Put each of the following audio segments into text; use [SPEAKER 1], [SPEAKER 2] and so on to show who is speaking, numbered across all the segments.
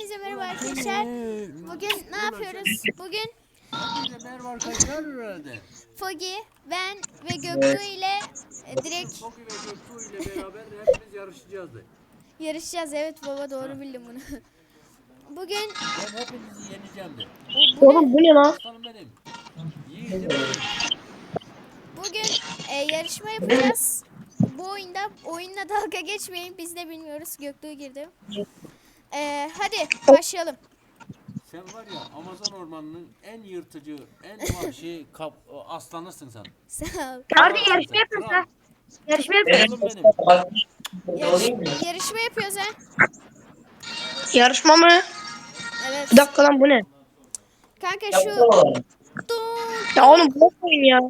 [SPEAKER 1] Hepinize merhaba arkadaşlar. Bugün ne yapıyoruz? Bugün
[SPEAKER 2] Hepinize merhaba arkadaşlar herhalde.
[SPEAKER 1] Fogi, ben ve Göktuğ ile direkt
[SPEAKER 2] Foki ve Göktuğ ile beraber hepimiz yarışacağız.
[SPEAKER 1] yarışacağız. Evet baba, doğru
[SPEAKER 2] Ha,
[SPEAKER 1] bildim bunu. Bugün
[SPEAKER 2] ben hepinizi yeneceğim de.
[SPEAKER 1] bu ne?
[SPEAKER 3] Oğlum bu ne lan?
[SPEAKER 2] Aslanım benim. Yiğidim benim.
[SPEAKER 1] Bugün yarışma yapacağız. Bu oyunla dalga geçmeyin. Biz de bilmiyoruz. Göktuğ girdi. Hadi başlayalım.
[SPEAKER 2] Sen var ya Amazon ormanının en yırtıcı, en vahşi aslanısın sen.
[SPEAKER 1] Sağ ol.
[SPEAKER 3] Hadi
[SPEAKER 2] Kralsın
[SPEAKER 3] yarışma
[SPEAKER 2] sen.
[SPEAKER 3] yapıyoruz
[SPEAKER 2] Kral.
[SPEAKER 3] ha. Yarışma yapıyoruz.
[SPEAKER 2] Kralım benim.
[SPEAKER 1] Yarışma yapıyoruz ha.
[SPEAKER 3] Yarışma mı?
[SPEAKER 1] Evet.
[SPEAKER 3] Bir dakika lan bu ne?
[SPEAKER 1] Kanka şu
[SPEAKER 3] Ya oğlum bu oyun ya.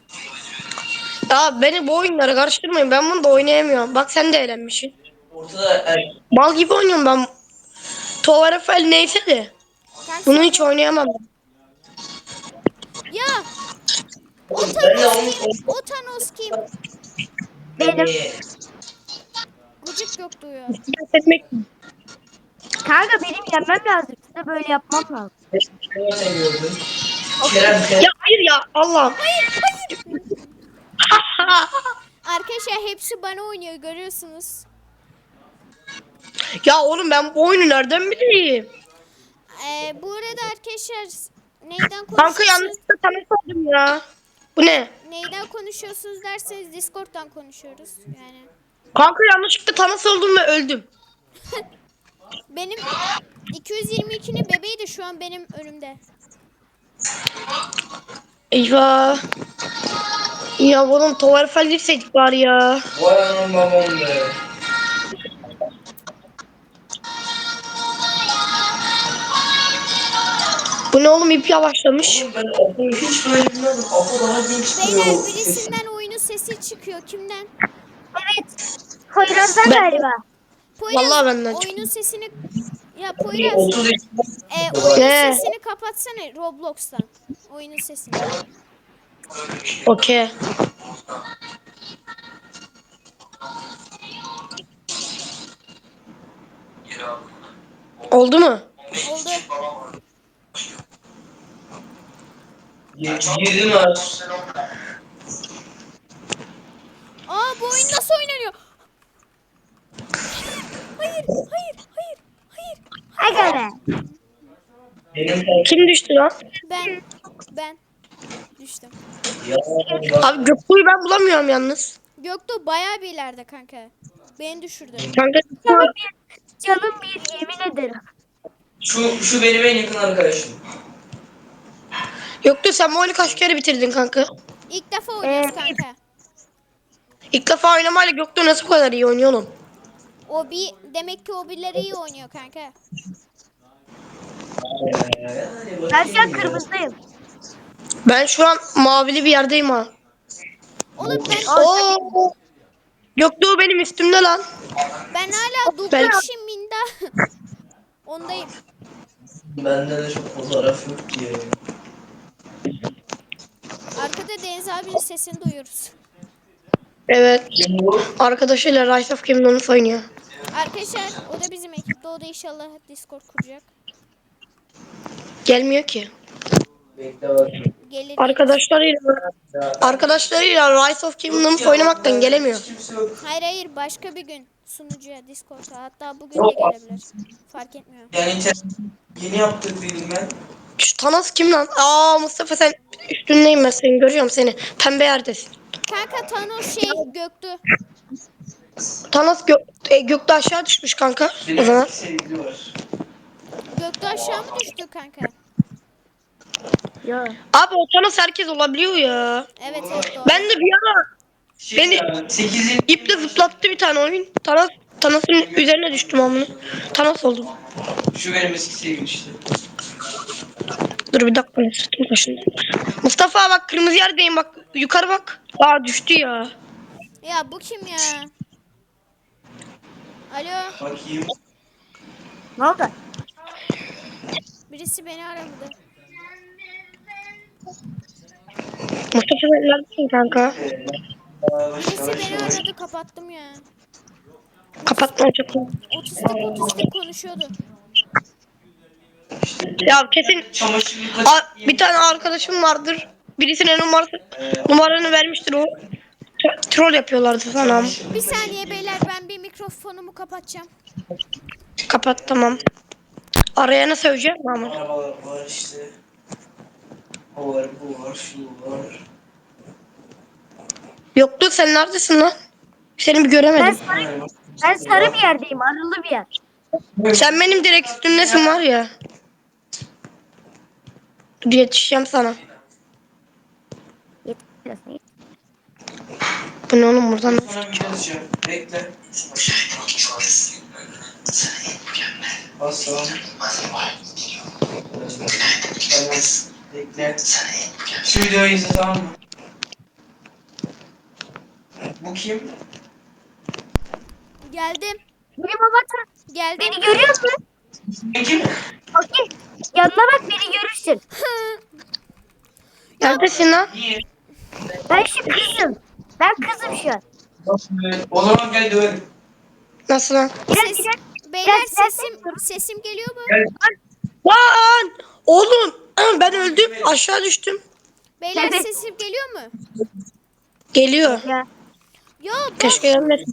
[SPEAKER 3] Ya beni bu oyunlara karıştırmayın. Ben bunu da oynayamıyorum. Bak sen de eğlenmişsin. Mal gibi oynuyorum ben. Tovarefel neyse de.
[SPEAKER 1] kanka
[SPEAKER 3] Bunu
[SPEAKER 1] sen
[SPEAKER 3] hiç oynayamam.
[SPEAKER 1] ya o Thanos kim? O Thanos kim?
[SPEAKER 3] Benim.
[SPEAKER 1] Gıcık yok duyuyor.
[SPEAKER 3] Etmek.
[SPEAKER 4] Kanka benim yenmem lazım. Size böyle yapmam lazım.
[SPEAKER 3] Ya hayır ya Allah'ım.
[SPEAKER 1] Arkadaşlar hepsi bana oynuyor, görüyorsunuz.
[SPEAKER 3] Ya oğlum ben bu oyunu nereden bileyim?
[SPEAKER 1] Bu arada arkadaşlar neyden
[SPEAKER 3] Kanka
[SPEAKER 1] konuşuyorsunuz?
[SPEAKER 3] yanlışlıkla tanış oldum ya. Bu ne?
[SPEAKER 1] Neyden konuşuyorsunuz derseniz Discord'dan konuşuyoruz. Yani
[SPEAKER 3] Kanka yanlışlıkla tanış oldum ve öldüm.
[SPEAKER 1] benim 222'nin bebeği de şu an benim önümde.
[SPEAKER 3] Eyvah. Ya oğlum Tovarefel girseydik bari ya.
[SPEAKER 5] Vay anam babam be.
[SPEAKER 3] Bu ne oğlum ip yavaşlamış.
[SPEAKER 5] Oğlum ben Apo'yu hiç böyle bilmiyordum. Apo daha genç
[SPEAKER 1] Beyler
[SPEAKER 5] duruyor.
[SPEAKER 1] birisinden oyunun sesi çıkıyor. Kimden?
[SPEAKER 4] Poyraz'dan
[SPEAKER 3] Ben-
[SPEAKER 4] galiba.
[SPEAKER 1] Poyraz
[SPEAKER 3] Vallahi benden
[SPEAKER 1] oyunun
[SPEAKER 3] çıktı.
[SPEAKER 1] sesini ya Poyraz
[SPEAKER 5] 30 yaşında.
[SPEAKER 1] oyunun
[SPEAKER 3] Ne?
[SPEAKER 1] sesini kapatsana Roblox'tan. Oyunun sesini.
[SPEAKER 3] Okey. Oldu mu?
[SPEAKER 1] Oldu.
[SPEAKER 5] Girdin ha.
[SPEAKER 1] Aa, bu oyun nasıl oynanıyor? Hayır, hayır, hayır, hayır.
[SPEAKER 4] Aga be.
[SPEAKER 5] Benim
[SPEAKER 3] Kim düştü lan?
[SPEAKER 1] Ben düştüm.
[SPEAKER 5] ya.
[SPEAKER 3] Abi Göktuğ'u ben bulamıyorum yalnız.
[SPEAKER 1] Göktuğ bayağı bir ileride kanka. Beni düşürdü.
[SPEAKER 3] Kanka
[SPEAKER 4] Canım bir yemin ederim.
[SPEAKER 5] Şu benim en yakın arkadaşım.
[SPEAKER 3] Göktuğ sen bu oyunu kaç kere bitirdin kanka?
[SPEAKER 1] İlk defa oynuyoruz
[SPEAKER 4] Ee,
[SPEAKER 1] kanka.
[SPEAKER 3] İlk defa oynamayla Göktuğ nasıl bu kadar iyi oynuyor oğlum?
[SPEAKER 1] Demek ki o birileri iyi oynuyor kanka.
[SPEAKER 5] Yani
[SPEAKER 4] Ben şu an
[SPEAKER 5] bakayım ya.
[SPEAKER 4] kırmızıdayım.
[SPEAKER 3] Ben şu an mavili bir yerdeyim ha.
[SPEAKER 1] Oğlum
[SPEAKER 3] Oo. Göktuğ benim üstümde lan.
[SPEAKER 1] ben hala
[SPEAKER 3] Ben-
[SPEAKER 1] Duklaşım Minda. Ondayım.
[SPEAKER 5] Bende de çok fotoğraf yok ki.
[SPEAKER 1] Arkada Deniz abinin sesini duyuyoruz.
[SPEAKER 3] Evet.
[SPEAKER 5] Kim bu?
[SPEAKER 3] Arkadaşıyla Rise of Kingdoms oynuyor.
[SPEAKER 1] Arkadaşlar o da bizim ekipte. O da inşallah Discord kuracak.
[SPEAKER 3] Gelmiyor ki.
[SPEAKER 5] Bekle bakayım.
[SPEAKER 1] Gelir.
[SPEAKER 3] Arkadaşlarıyla Rise of Kingdoms oynamaktan gelemiyor.
[SPEAKER 5] Hiç kimse yok.
[SPEAKER 1] Hayır başka bir gün sunucuya Discord'a, hatta bugün de
[SPEAKER 5] Yok.
[SPEAKER 1] gelebilir. Fark etmiyor.
[SPEAKER 5] Yani yeni yaptık dedim ben.
[SPEAKER 3] Şu Thanos kim lan? Aa Mustafa sen üstündeyim ben seni görüyorum seni. Pembe yerdesin.
[SPEAKER 1] Kanka Thanos Göktü.
[SPEAKER 3] Thanos gökte aşağı düşmüş kanka. O zaman.
[SPEAKER 5] Benim sevgili var.
[SPEAKER 1] Göktü aşağı mı düştü kanka?
[SPEAKER 4] Yo.
[SPEAKER 3] Abi o Thanos herkes olabiliyor ya.
[SPEAKER 1] Evet doğru.
[SPEAKER 3] Ben de bir ara Beni-
[SPEAKER 5] 8.
[SPEAKER 3] iple zıplattı bir tane oyun. Thanos'un üzerine düştüm amına. Thanos oldum.
[SPEAKER 5] Şu benim eski sevgilim işte.
[SPEAKER 3] Dur bir dakika sırtım kaşındı. Mustafa bak kırmızı yerdeyim bak yukarı bak. Aa düştü ya.
[SPEAKER 1] Ya bu kim ya? Alo,
[SPEAKER 5] Bakayım.
[SPEAKER 4] Ne oldu?
[SPEAKER 1] birisi beni aradı.
[SPEAKER 3] Mustafa sen neredesin kanka?
[SPEAKER 1] Birisi beni aradı, kapattım ya.
[SPEAKER 3] Kapatma çok.
[SPEAKER 1] Otistik konuşuyordu.
[SPEAKER 3] Ya kesin
[SPEAKER 5] Çamaşır
[SPEAKER 3] bir tane arkadaşım vardır. Birisine numaranı vermiştir o. Troll yapıyorlardı falan.
[SPEAKER 1] Bir saniye beyler, ben bir mikrofonumu kapatacağım.
[SPEAKER 3] Kapat tamam. Arayana söyleyeceğim ama.
[SPEAKER 5] Arabalar var işte. O var, bu var, şu var.
[SPEAKER 3] Yoktu, sen neredesin lan? Seni bir
[SPEAKER 4] Ben
[SPEAKER 3] göremedim.
[SPEAKER 4] sarı bir yerdeyim. Arılı bir yer.
[SPEAKER 3] Sen benim direkt üstümdesin var ya. Dur yetişeceğim sana.
[SPEAKER 4] Yetişiyorsun.
[SPEAKER 3] Bu ne oğlum buradan?
[SPEAKER 5] Sonra bir yazacağım. Bekle. Basam. Bekle. Şu videoyu izle, tamam mı? Bu kim?
[SPEAKER 1] Geldim.
[SPEAKER 4] Benim avatar.
[SPEAKER 1] Geldim.
[SPEAKER 4] Beni görüyor musun?
[SPEAKER 5] Bu kim?
[SPEAKER 4] Okey. Yanına bak, beni görürsün.
[SPEAKER 3] Neredesin lan?
[SPEAKER 5] Niye?
[SPEAKER 4] Ben şu kızım. Ben kızım şu an.
[SPEAKER 5] O zaman gel dövelim.
[SPEAKER 3] Nasıl lan?
[SPEAKER 1] Ses, beyler sesim geliyor mu?
[SPEAKER 5] Gel.
[SPEAKER 3] Lan! Oğlum ben öldüm, aşağı düştüm.
[SPEAKER 1] Beyler
[SPEAKER 4] Evet.
[SPEAKER 1] sesim geliyor mu?
[SPEAKER 3] Geliyor.
[SPEAKER 4] Ya.
[SPEAKER 1] Ya ben
[SPEAKER 3] Keşke gelmesin.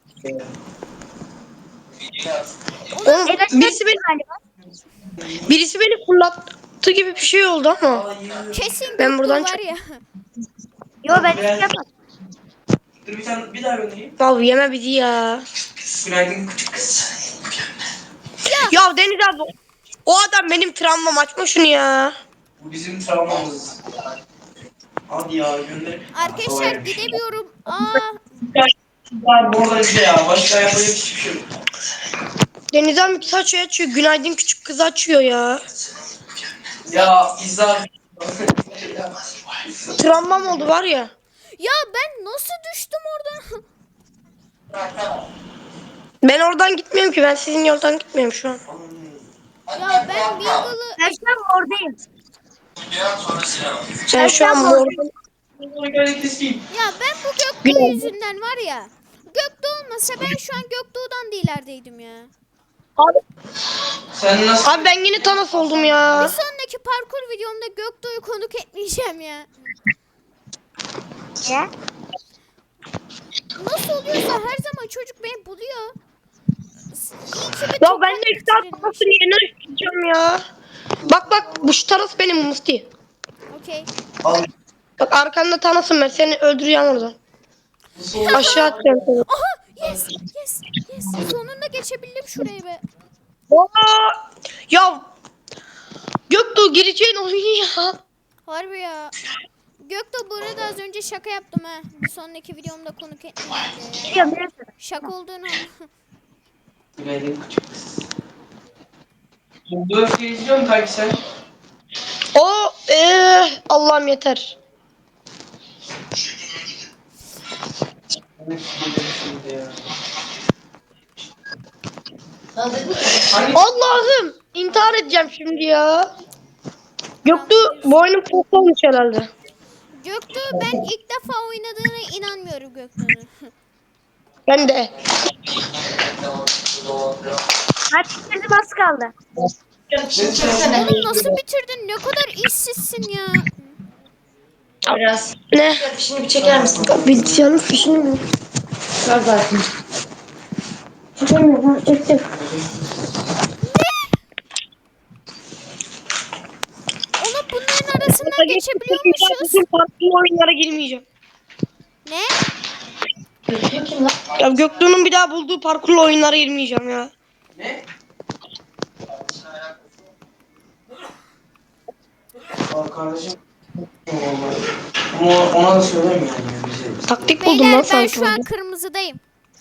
[SPEAKER 3] Oğlum
[SPEAKER 4] En aşağı
[SPEAKER 3] galiba. Birisi beni fırlattı gibi bir şey oldu ama.
[SPEAKER 1] kesin
[SPEAKER 3] Ben
[SPEAKER 1] Göktuğ
[SPEAKER 3] buradan
[SPEAKER 1] var ya.
[SPEAKER 4] Yo, ben hiç yapmadım.
[SPEAKER 5] Dur bir daha göndereyim.
[SPEAKER 3] Vallahi yeme bizi ya.
[SPEAKER 5] Günaydın küçük kız.
[SPEAKER 3] Ya Deniz abi, o adam benim travmam, açma şunu ya.
[SPEAKER 5] Bu bizim travmamız. Hadi ya gönder.
[SPEAKER 1] Arkadaşlar gidemiyorum.
[SPEAKER 5] Bu arada şey ya, başka yapacak hiçbir şey yok.
[SPEAKER 3] Deniz abi saç açıyor, günaydın küçük kız açıyor ya.
[SPEAKER 5] Ya İzzar.
[SPEAKER 3] Travmam oldu var ya.
[SPEAKER 1] Ya ben nasıl düştüm oradan?
[SPEAKER 3] Ben oradan gitmiyorum ki, ben sizin yoldan gitmiyorum şu an.
[SPEAKER 1] Ya ben Mingle'ı...
[SPEAKER 4] Ben şu an oradayım.
[SPEAKER 3] Sen şu an mordan.
[SPEAKER 5] Bunu böyle keseyim.
[SPEAKER 1] Ya ben bu Göktuğ yüzünden var ya. Göktuğ olmasa ben şu an Göktuğ'dan da ilerideydim ya.
[SPEAKER 5] Sen nasıl?
[SPEAKER 3] Abi ben yine Thanos oldum
[SPEAKER 1] Bir
[SPEAKER 3] ya.
[SPEAKER 1] sonraki parkur videomda Göktuğ'u konuk etmeyeceğim ya.
[SPEAKER 4] Ya.
[SPEAKER 1] Nasıl oluyorsa her zaman çocuk beni buluyor. İyi ki bir
[SPEAKER 3] Ya
[SPEAKER 1] toprak
[SPEAKER 3] ben de ilk saat
[SPEAKER 1] bitirilmiş.
[SPEAKER 3] Thanos'un yerine düşeceğim ya. Bak bu şu Thanos benim Musti.
[SPEAKER 1] Okey.
[SPEAKER 5] Al.
[SPEAKER 3] Bak arkanda Thanos'um ben, seni öldüreceğim oradan. Aşağı atacağım seni.
[SPEAKER 1] Aha yes yes yes. Sonunda geçebildim şurayı be.
[SPEAKER 3] Aa! Ya Göktuğ gireceğin oyun ya.
[SPEAKER 1] Harbi ya. Göktuğ, bu arada az önce şaka yaptım ha. Bir sonraki videomda konuk etmeyeceğim diye ya.
[SPEAKER 4] Biliyorum, biliyorum.
[SPEAKER 1] Şaka olduğunu anla.
[SPEAKER 5] Günaydın küçük kız. Bu öfkeyi izliyor musun kanki sen?
[SPEAKER 3] O Allah'ım yeter. Allah'ım intihar edeceğim şimdi ya. Göktuğ boynum pok olmuş herhalde.
[SPEAKER 1] Göktuğ, ben ilk defa oynadığına inanmıyorum Göktuğ'un.
[SPEAKER 3] Ben de.
[SPEAKER 4] Hadi bitirdim, az kaldı.
[SPEAKER 1] Oğlum nasıl bitirdin? Ne kadar işsizsin ya.
[SPEAKER 3] Ne? Fişini bir çeker misin? Bilgisayarın fişini mi? Ver zaten. Çekemiyorum. Çektim.
[SPEAKER 1] Oğlum bunların arasından geçebiliyormuşuz.
[SPEAKER 3] Farklı oyunlara girmeyeceğim.
[SPEAKER 1] Ne?
[SPEAKER 3] Ya Göktuğ'un bir daha bulduğu parkurlu oyunlara girmeyeceğim ya.
[SPEAKER 5] Ne? Aa, kardeşim. Ama ona da söylemiyorum ya bize.
[SPEAKER 3] Taktik buldum lan
[SPEAKER 1] Beyler ben
[SPEAKER 3] sanki.
[SPEAKER 1] şu an
[SPEAKER 3] burada.
[SPEAKER 1] kırmızıdayım.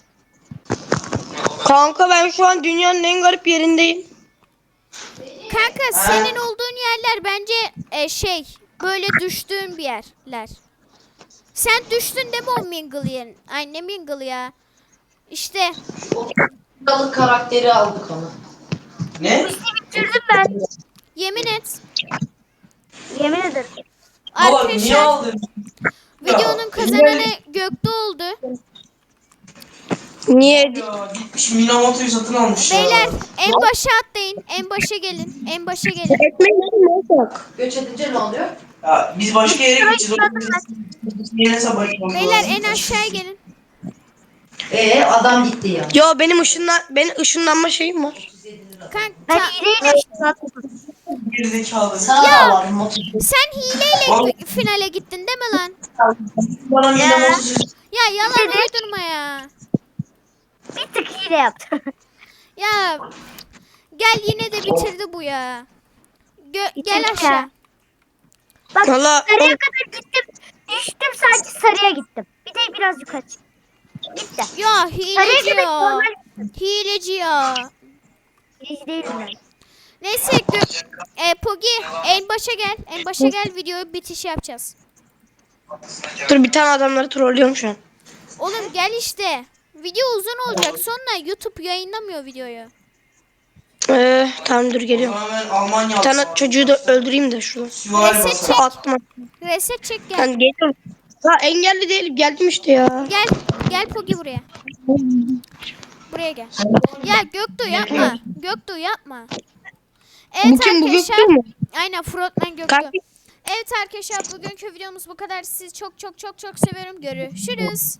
[SPEAKER 3] Kanka ben şu an dünyanın en garip yerindeyim.
[SPEAKER 1] Kanka senin olduğun yerler bence böyle düştüğün bir yerler. Sen düştün değil mi o Mingle yerin? Ay ne Mingle ya. İşte
[SPEAKER 6] Balık karakteri aldık onu.
[SPEAKER 5] Ne?
[SPEAKER 4] Bitirdim ben.
[SPEAKER 1] yemin et.
[SPEAKER 4] Yemin ederim.
[SPEAKER 5] Baba niye
[SPEAKER 1] Arkadaşlar
[SPEAKER 5] aldın?
[SPEAKER 1] videonun kazananı Göktuğ oldu.
[SPEAKER 3] Niye?
[SPEAKER 5] Ya git Şu Minamoto'yu satın almış
[SPEAKER 1] Beyler
[SPEAKER 5] ya.
[SPEAKER 1] en başa atlayın. En başa gelin. En başa gelin.
[SPEAKER 3] Ekmeği ne olacak?
[SPEAKER 6] Göç edince ne oluyor?
[SPEAKER 5] Ya biz başka yere gideceğiz. O yüzden biz yine sabah
[SPEAKER 1] Beyler en aşağıya gelin.
[SPEAKER 6] Adam gitti ya.
[SPEAKER 3] Yo benim ışınlanma şeyim var.
[SPEAKER 1] Kanka
[SPEAKER 4] Ben hileyle zaten.
[SPEAKER 5] Gerizekalı.
[SPEAKER 6] Sana da var motor.
[SPEAKER 1] sen hileyle finale gittin değil mi lan?
[SPEAKER 5] Bana Minamoto
[SPEAKER 1] Ya yalan uydurma ya.
[SPEAKER 4] Bir tık hile yaptım.
[SPEAKER 1] Ya gel yine de bitirdi bu ya. Gel
[SPEAKER 4] Bitirdi
[SPEAKER 1] aşağı.
[SPEAKER 4] ya. Bak
[SPEAKER 3] Valla
[SPEAKER 4] sarıya kadar gittim. Düştüm sadece sarıya gittim. Bir de biraz yukarı çıktım. Gitti.
[SPEAKER 1] Ya
[SPEAKER 4] Sarıya
[SPEAKER 1] hileci
[SPEAKER 4] gitmek
[SPEAKER 1] ya.
[SPEAKER 4] normal.
[SPEAKER 1] Hileci ya.
[SPEAKER 4] Hileci değilim ben.
[SPEAKER 1] Neyse Pogi en başa gel. En başa gel videoyu bitiş yapacağız.
[SPEAKER 3] dur bir tane adamları trollüyorum şu an.
[SPEAKER 1] Oğlum gel işte. Video uzun olacak. Sonra YouTube yayınlamıyor videoyu.
[SPEAKER 3] Tamam dur geliyorum.
[SPEAKER 5] Tamamen Almanya
[SPEAKER 3] Bir tane çocuğu da öldüreyim de şuradan.
[SPEAKER 5] Süvari
[SPEAKER 1] Reset
[SPEAKER 5] basar.
[SPEAKER 1] çek.
[SPEAKER 3] Attım.
[SPEAKER 1] Reset çek gel.
[SPEAKER 3] Ben geliyorum. Ha engelli değilim geldim işte ya.
[SPEAKER 1] Gel. Gel Pogi buraya. Buraya gel. Ya Göktuğ yapma. Göktuğ yapma. Evet
[SPEAKER 3] Bu kim bu
[SPEAKER 1] arkadaşlar.
[SPEAKER 3] Göktuğ mu?
[SPEAKER 1] Aynen Frontman Göktuğ.
[SPEAKER 3] Kanka
[SPEAKER 1] Evet arkadaşlar bugünkü videomuz bu kadar. Sizi çok çok çok çok seviyorum. Görüşürüz.